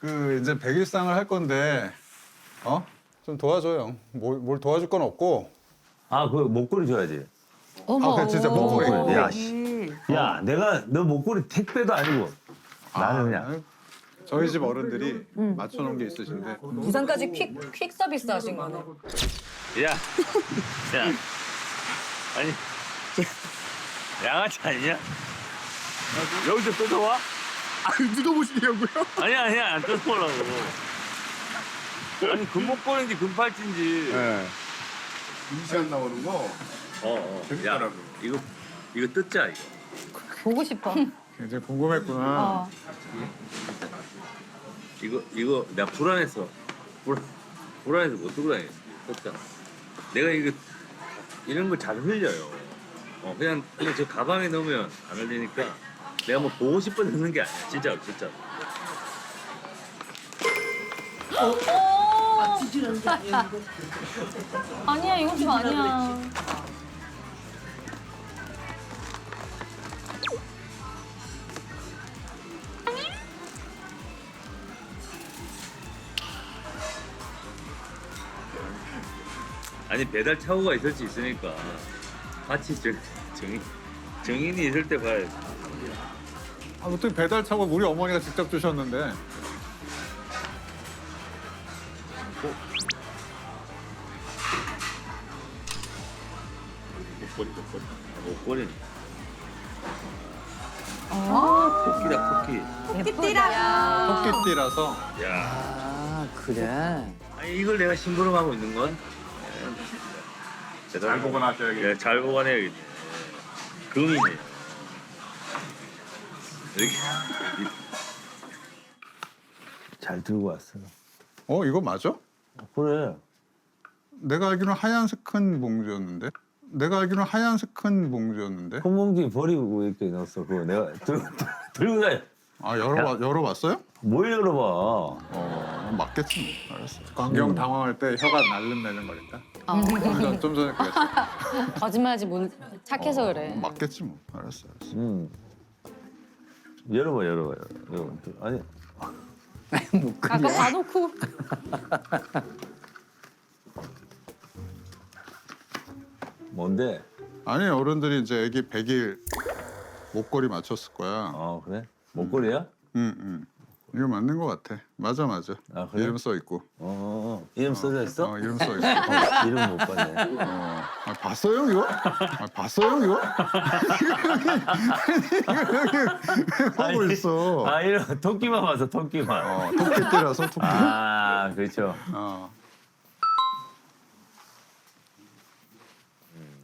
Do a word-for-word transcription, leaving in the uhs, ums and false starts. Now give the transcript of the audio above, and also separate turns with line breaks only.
그 이제 백일상을 할 건데 어? 좀 도와줘요. 뭘, 뭘 도와줄 건 없고.
아, 그 목걸이 줘야지.
아, 그 진짜 목걸이.
목걸이. 야, 씨. 야, 내가 너 목걸이 택배도 아니고 나는 그냥.
아, 저희 집 어른들이 맞춰놓은 게 있으신데.
부산까지 퀵, 퀵 서비스 하신 거네.
야, 야, 아니, 양아치 아니냐? 여기서 뜯어와?
아, 뜯어보시려고요?
아니야, 아니야, 안 뜯어보려고. 아니, 금목걸이인지 금팔찌인지.
네.
이시안 나오는 거
어, 어.
재밌더라고요.
야, 이거, 이거 뜯자, 이거.
보고 싶어.
굉장히 궁금했구나.
어.
이거, 이거, 내가 불안해서. 불안, 불안해서 못 들고 다녔어. 뜯잖아. 내가 이거, 이런 거 잘 흘려요. 어, 그냥, 그냥 저 가방에 넣으면 안 흘리니까 내가 뭐 보고 싶어 넣는 게 아니야. 진짜로, 진짜로.
아니야, 이거 좀 아니야.
아니, 배달 차고가 있을 수 있으니까 같이 정, 정, 정인이 있을 때 봐야지.
아, 어떻게 배달 차고 우리 어머니가 직접 주셨는데.
목걸이, 목걸이. 목걸이.
아,
토끼다, 토끼.
예쁘다.
토끼띠라서.
야,
아 그래.
아니, 이걸 내가 심부름하고 있는 건?
잘 보관하셔야겠네요.
예, 잘 보관해야겠네. 금이네. 이렇게. 잘 들고 왔어.
어, 이거 맞아?
그래.
내가 알기로는 하얀색 큰 봉지였는데. 내가 알기로는 하얀색 큰 봉지였는데.
큰 봉지 버리고 이렇게 넣었어. 그거 내가 들고, 들고 다녀.
아, 열어봐, 열어봤어요?
뭘 열어봐.
어, 맞겠지. 뭐. 알았어. 광경 당황할 때 혀가 날름날름 거린다.
어.
좀, 좀 전에 그랬어.
거짓말하지 못 착해서 그래.
맞겠지 뭐. 알았어, 알았어.
음. 열어봐, 열어봐, 열어봐. 아니,
아까 봐놓고.
뭔데?
아니, 어른들이 이제 애기 백일 목걸이 맞췄을 거야.
어, 그래? 목걸이야?
응, 응. 이거 맞는 거 같아. 맞아, 맞아.
아, 그래?
이름 써 있고.
어, 이름 써져 있어?
어, 이름 써 있어.
어, 이름 못 봤네.
어. 아, 봤어요, 이거? 아, 봤어요, 이거? 이거 여기 하고 있어.
아, 이름 토끼만 봐서 토끼만.
어, 토끼띠라서 토끼.
아, 그렇죠.
어.